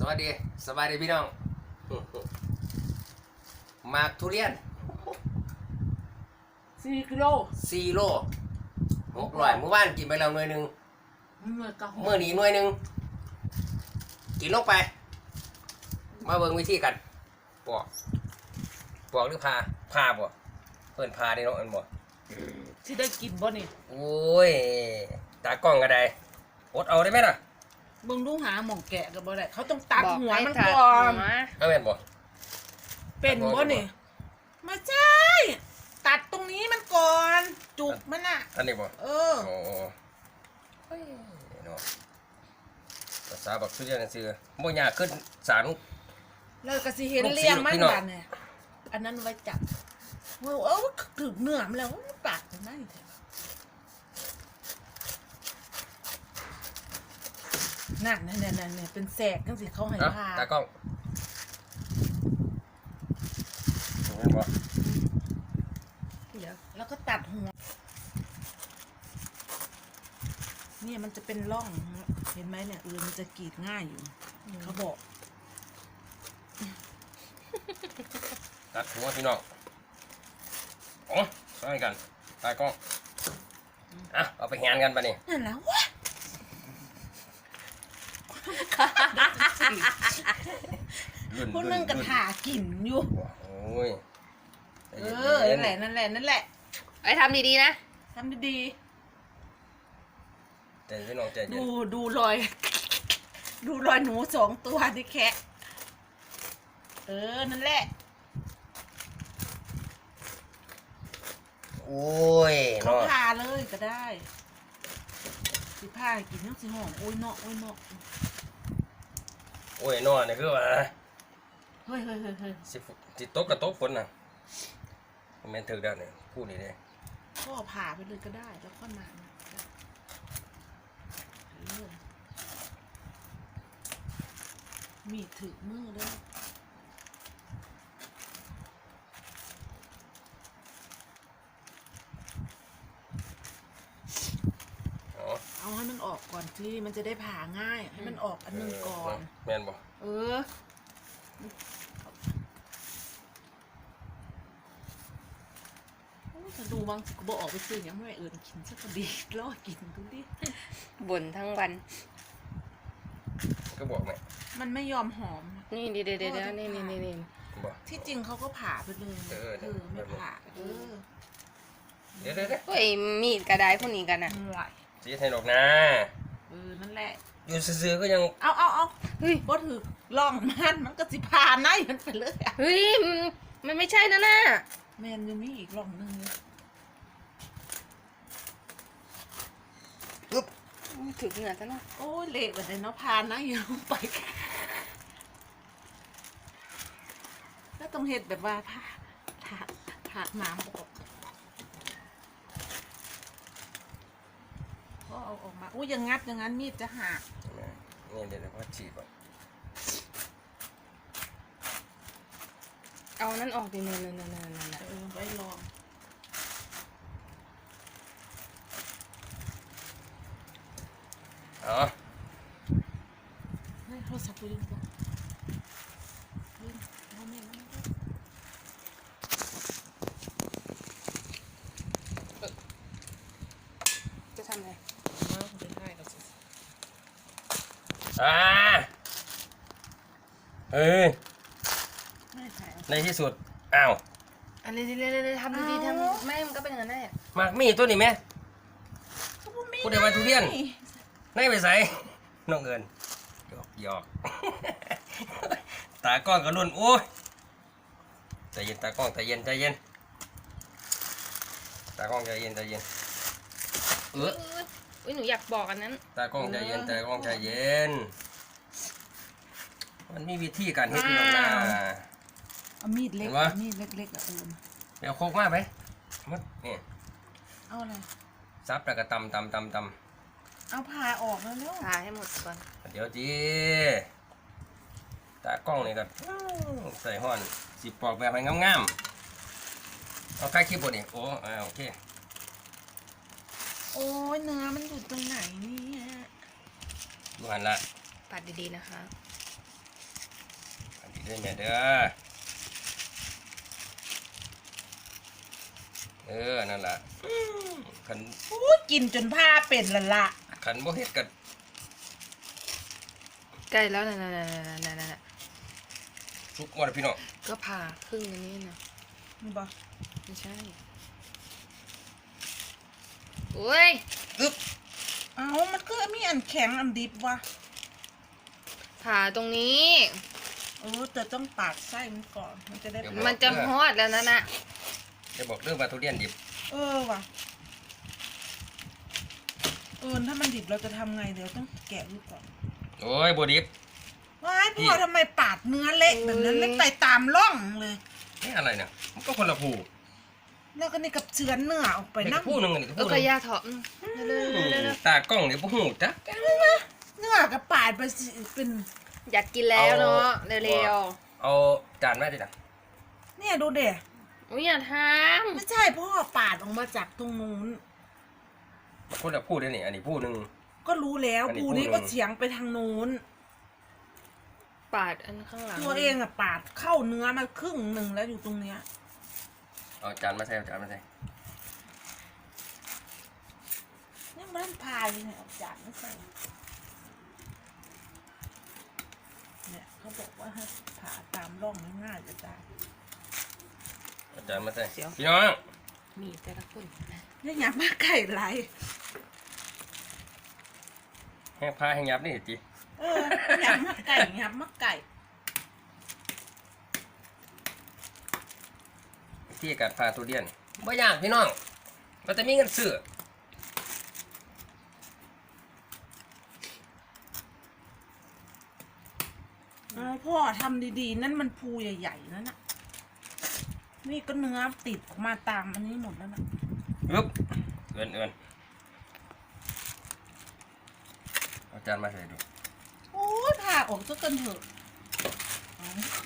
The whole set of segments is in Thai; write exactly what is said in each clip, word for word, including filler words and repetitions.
สวัสดีสบายดีพี่น้องหมากทุเรียนสี่กิโลสี่โลหกร้อยเมื่อวานกินไปแล้วหน่วยหนึ่งเมื่อนี้หน่วยหนึ่งกินลงไปมาเบิ่งวิธีกันปอกปอกหรือพาพาบ่เพิ่นพาได้เนาะอันบ่ที่ได้กินบ่นี่โอ้ยตากล้องก็ได้อดเอาได้ไหมล่ะมึงดูหาหม่องแกะกับบ่ได้เขาต้องตัดหัวมันก่อนเอาแม่นบ่เป็นบ่นี่ไม่ใช่ตัดตรงนี้มันก่อนจุกมันอ่ะอันนี้บ่เออโอ้เฮ้ยเนาะภาษาบักทุเรียนซื่อบ่ยากขึ้นสารเลยก็สิเห็นเลี้ยงมันบาดเนี่ยอันนั้นไว้จับว่าเออถึงเนื้อมันแล้วมันตัดได้นั่นนั่นนั่นนั่นเป็นแสกจังสิเขาให้พาตากล้องเห็นบ่เดี๋ยวแล้วก็ตัดหัวเนี่ยมันจะเป็นร่องเห็นไหมเนี่ยเออมันจะกรีดง่ายอยู่เขาบอกตัดหัวพี่น้องโอ้ช่วยกันตากล้องอ่ะเอาไปงานกันปะนี่นั่นแล้ววะพวกนึงกระถากินอยู่โอ้ยเออนั่นแหละนั่นแหละนั่นแหละไอ้ทำดีๆนะทำดีๆแต่พี่น้องใจเย็นดูดูรอยดูรอยหนูสองตัวที่แคะเออนั่นแหละโอ้ยเขาพาเลยก็ได้สิพากินน้ำสีหอมโอ้ยเนาะโอ้ยเนาะโอ้ยนอนนี่คือว่าเฮ้ยเฮ้ยเฮ้ยเฮ้ยสิสิโต๊ะกับโต๊ะฝนน่ะแม่นถึกได้เนี่ยพูดนี่เด้ก็ผ่าไปเลยก็ได้แล้วก็นานมีถึกมือด้วยเอาให้มันออกก่อนที่มันจะได้ผ่าง่ายให้มันออกอันนึงก่อนแม่นบ่เออฉันดูบางสิกูบอกออกไปซื้อยังไม่เอิญกินสักดีรอกินดูดิบ่นทั้งวันก็บอกไหมมันไม่ยอมหอมนี่เดี๋ยวเดี๋ยวนี่นี่นี่นี่ที่จริงเขาก็ผ่าไปเลยเออเออไม่ผ่าเออเดี๋ยวเดี๋ยวเฮ้ยมีดกระไดพวกนี้กันอ่ะจีให้ดอกนะเออนั่นแหละอยู่ซื้อก็ยังเอาเอาเอาเฮ้ยบ่ถือลองมันมันก็สิผ่าในมันไปเลยเฮ้ยมันไม่ใช่นะน่ะแมนยังมีอีกลองนึงปึ๊บถึงเหนือซะเนาะโอ้ยเละแบบนี้เนาะพานะอยู่ไปแล้วต้องเห็ดแบบว่าผ่าผ่าผ่าหนามออกก็เอาออกมาอุ้ยยังงัดอย่างนั้นมีดจะหักนี่เดี๋ยวพ่อฉีดก่อนเอานั่นออกดินั่นนั่นนั่นนั่นเออไปลองอ๋อเฮ้ยโทรศัพท์กูยิงก่อนเฮ้ยเอาแม่มาจะทำไงมาเป็นไงกับสิอ่าเฮ้ยในที่สุดอ้าวอันนี้เรื่อยๆทำดีๆทำไม่มันก็เป็นอย่างนั้นแหละมากมีตัวนี้ไหมพูดได้ว่าทุเรียนในไปใส่น้องเงินหยอกหยอกตากล้องกระลุ่นโอ้ยใจเย็นตากล้องใจเย็นใจเย็นตากล้องใจเย็นใจเย็นเอออุ้ยหนูอยากบอกอันนั้นตากล้องใจเย็นตากล้องใจเย็นมันมีวิธีการเฮ็ดอยู่นะเอามีดเล็กมีดเล็กๆอ่ะเออเดี๋ยวโคกมากไหมมัดนี่เอาอะไรซับแล้วก็ตำตำตำตำเอาผ่าออกแล้วเนาะผ่าให้หมดก่อนเดี๋ยวจีตากล้องนี่ก็ใส่ห่อนสิปอกแบบให้งามๆเอาใกล้คลิปบนนี่โอ้โอเคโอ้ยเนื้อมันอยู่ตรงไหนเนี่ยดูหันละปัดดีๆนะคะเด้อแม่เด้อเออนั่นล่ะขันอู้กินจนผ้าเป็นละละขันบ่เฮ็ดกันใกล้แล้วนะนะนะนะนะนะทุกหมดพี่น้องก็ผ่าครึ่งอันนี้นะนี่บ่ไม่ใช่โอ้ยอึ๊บเอามันก็มีอันแข็งอันดิบวะผ่าตรงนี้เออแต่ต้องปาดไส้มันก่อนมันจะได้มันจะฮอดแล้วนะน่ะจะบอกเรื่องปลาทุเรียนดิบเออว่ะเออถ้ามันดิบเราจะทำไงเดี๋ยวต้องแกะดูก่อนโอ้ยบ่ดิบว้ายพ่อทำไมปาดเนื้อเละแบบนั้นไม่ไปตามร่องเลยนี่อะไรเนี่ยมันก็คนละผู้แล้วก็นี่กับเชือนเนื้อออกไปไปนั่นั่งงผู้หนึงอันนี้ก็เออผู้หก็นึงยาเถาะอืมเร็วๆเร็วๆเร็วตากล้องนี่บ่ฮู้จักเนื้อกับปาดไปสิเป็นๆอยากกินแล้วเนาะเร็วเอาจานมาดิจ้ะเนี่ยดูเด็ๆอุ้ยอย่าทไม่ใช่พ่อปาดออกมาจากตรงนู้นคนละผู้เด้อนี่อันนี้ผู้หนึงก็รู้แล้วอันนี้ปูนี้พูดก็เลยเฉียงไปทางนู้นำปาดอันข้างหลังตัวเองอะปาดเข้าเนื้อมาครึ่งหนึ่งแล้วอยู่ตรงเนี้ยเอาจานมาใส่เอาจานมาใส่ยังไม่ได้พายเลยเนี่ยเอาจานไม่ใส่เนี่ยเขาบอกว่าให้ผ่าตามร่องง่ายๆจะตายเอาจานมาใส่พี่น้องมีแต่ละคนนี่อยากมาไก่ไรให้พาให้ยับนี่จิเอออยากมาไก่อยากมาไก่ที่การพาทุเรียนบ่ยากพี่น้องมันจะมีเงินซื้อเอาพ่อทำดีๆ นั่นมันภูใหญ่ๆนั่นน่ะนี่ก็เนื้อติดออกมาตามอันนี้หมดแล้วนะอึ๊บเอินเอินเอาจานมาใส่ดูโอ้ยผ่าออกซะกันเถอะเอา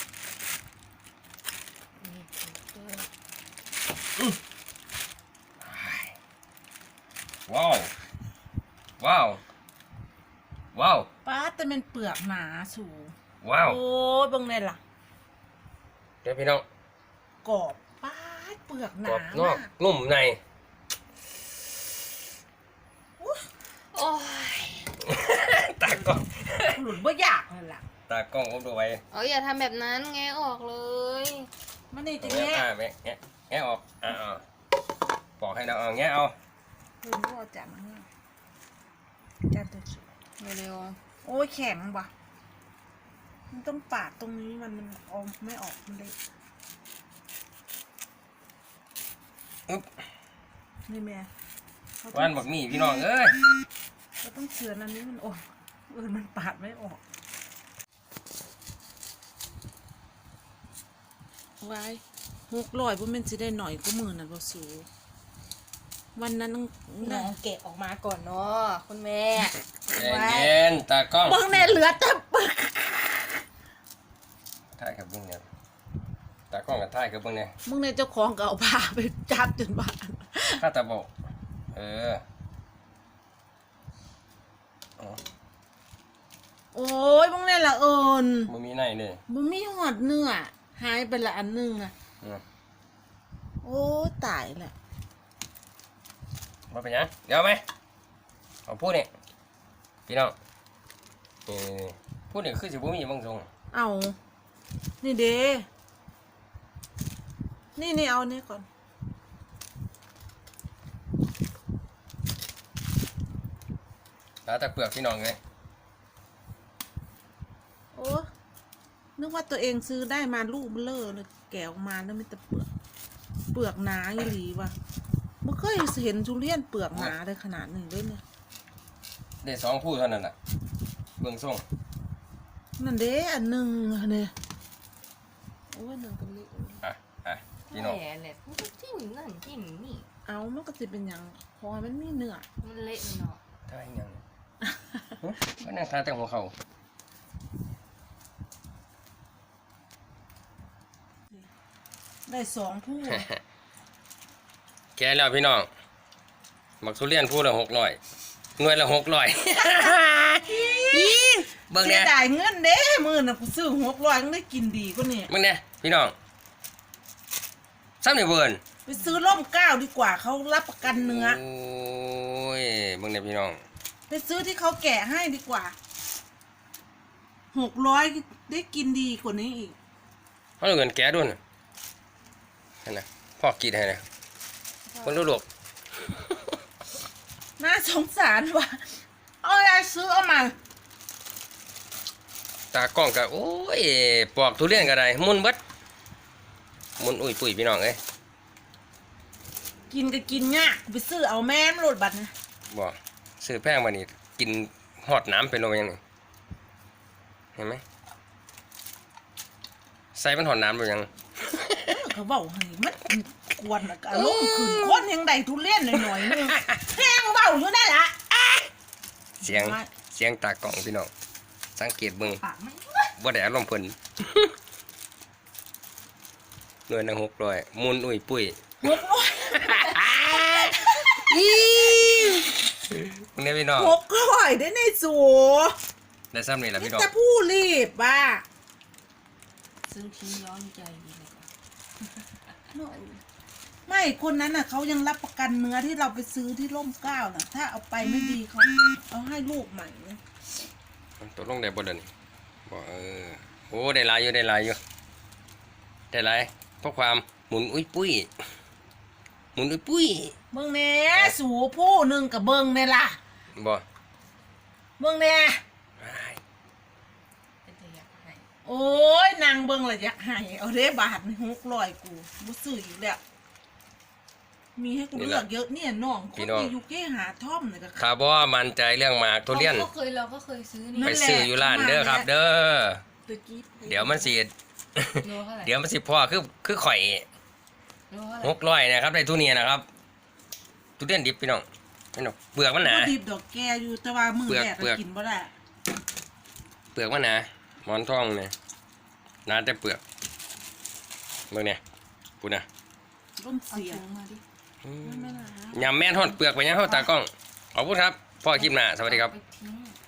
นี่เออว้าวว้าวว้าวป้าแต่เป็นเปลือกหนาสูว้าวโอ้ยเบังเนี่ยล่ะเดี๋ยวพี่น้องกรอบป้าดเปลือกหกรนาอบนอกมากนุ่มในโอ้ยตากล้องหลุดบ่อยากเลยล่ะตากล้องผมดูไว้เอาอย่าทำแบบนั้นแงะออกเลยมันนี่จะแงะแง่อ่าแงะแงะแงะออกอ่าอ่าปอกให้เราเอาแงะเอาเห็นว่าจับมันเนี่ยจับตัวสวยเร็วโอ้ยแข็งว่ะมันต้องปาดตรงนี้มันมันออกไม่ออกมันเลยอึ๊บนี่แม่เขาต้วาอน งบักหมี่พี่น้องเอ้ยเขาต้องเฉือนอันนี้มันออกเออมันปาดไม่ออกไว้หกร้อยพวกมันจะได้หน่อยก็หมื่นน่ะบ่สูวันนั้นๆน้องเกะออกมาก่อนเนาะคุณแม่ใจเย็นตากล้องเบิ่งแน่เหลือแต่เปลือกถ่ายกับเบิ้งเนี่ยตากล้องกับถ่ายกับเบิ้งเนี่ยมึงในเจ้าของก็เอาผ้าไปจับจนบ้านถ้าตาบอกเอออ๋อโอ้ยมึงเนี่ยละเอิญมันมีในเลยมึงมีหอดเนื้อหายไปละอันหนึงอ่ะอืมโอ้ตายละมาเป็นยังเดี๋ยวไหมเอาพูดนี่พี่น้องนี่พูดนี่คือสิบุมีบางทรงเอานี่เด้นี่นี่เอานี่ก่อนแล้วแต่เปลือกพี่น้องเลยโอ้นึกว่าตัวเองซื้อได้มาลูกเบลอเลยแกะออกมาแล้วมีแต่เปลือกเปลือกหนาอีหลีว่ะไม่เคยเห็นทุเรียนเปลือกหนาเลยขนาดนี้เลยเนี่ยได้สองพูดเท่านั้นแหละเบื้องทรงนั่นเด้อันหนึ่งอะเนี่ยโอ้ยหนึ่งกับลิอ่ะอ่ะพี่น้องแหละแหละมันก็จิ้มนั่นจิ้มนี่เอามันก็จะเป็นอย่างพอมันมีเนื้อมันเละมันเนาะท่าอีกอย่างเนี่ยหึก็นั่งทาแต่หัวเข่าได้สองผู้แกแล้วพี่น้องหมักทุเรียนพูดละหกร้อยหน่วยละหกร้อยเฮียเบิ่งเสีเนี่ย ยดายเงินเด้มื้อน่ะกูซื้อหกร้อยยังได้กินดีกว่านี่เบิ่งเนี่ยพี่น้องซ้ำนี่เบิ่นไปซื้อร่มเกล้าดีกว่าเขารับประกันเนื้อโอ้ยเบิ่งเนี่ยพี่น้องไปซื้อที่เขาแกะให้ดีกว่าหกร้อยได้กินดีกว่านี้อีกเขาเอาเงินแกด้วยนะนั่นนะพ่อกินให้นะคนรู้หลบน่าสงสารว่ะเอาอะไรซื้อเอามาตากล้องก็โอ้ยปอกทุเรียนก็ได้มุนเบิดมุนอุ้ยปุ้ยพี่น้องเอ้ยกินก็กินยากไปซื้อเอาแม่มโหลดบัตรนะบอกซื้อแพงมานี่กินหอดน้ำเป็นโลยังไงเห็นไหมใส่มันหอดน้ำหรือยังเออเขาบอกให้มันกวนอะอารมณ์ขืนคนยังได้ทุเรียนหน่อยๆนึงแห้งเบาอยู่ได้ละเสียงเสียงตากล้องพี่น้องสังเกตเบิ่งปากมันบ่ได้อารมณ์เพิ่น หน่วยหนึ่งหกร้อยมุนอุ้ยปุ้ยหกร้อยพวกนี้พี่น้องหกร้อยได้ในสูได้ซ้ำนี่แหละพี่น้องแต่ผู้รีบบ้าซื้อทิ้งย้อนใจดีเลยกว่าไม่คนนั้นน่ะเขายังรับประกันเนื้อที่เราไปซื้อที่ร่มเกล้าน่ะ ถ้าเอาไปไม่ดีเขาเอาให้ลูกใหม่นะตัวลงได้บ่เดินบอกเออโอ้ได้หลายอยู่ได้หลายอยู่ได้หลายเพราะความหมุนอุ้ยปุ้ยหมุนอุ้ยปุ้ยเบิ่งแหน่สูผู้หนึ่งกับเบิ่งเนี่ยล่ะบ่เบิ่งแหน่เป็นตัวอยากให้โอ้ยนางเบิ่งละอยากให้เอาเด้บาทหกร้อยกูบ่ซื้ออีกแล้วมีให้กูเลือกเยอะเนี่ยน้องคนที่อยู่เก้หาท่อมเนี่ยก็ถ้าบ่มั่นใจเรื่องหมากทุเรียนก็เคยเราก็เคยซื้อนี่ไปซื้ออยู่ร้านเด้อครับ เด้อตะกี้เดี๋ยวมันสิโลเท่าไหร่เดี๋ยวมันสิพ่อคือคือข่อยโลเท่าไหร่หกร้อยนะครับได้ทุเรียนนะครับทุเรียนดิบพี่น้องพี่น้องเปลือกมันหนาบ่ดิบดอกแกอยู่แต่ว่ามือแรกเปลืก็อกกินบ่ได้เปลือกมันหนาหมอนทองเนี่ยหนาแต่เปลือกเบิ่งเนี่ยกูนะร่มเอาเสียถุงมาดิไม่น่ายำแม่นทอดเปลือกไปยังเข้าตากล้องขอบคุณครับพ่อคลิปหน้าสวัสดีครับเอาไปทิ้ง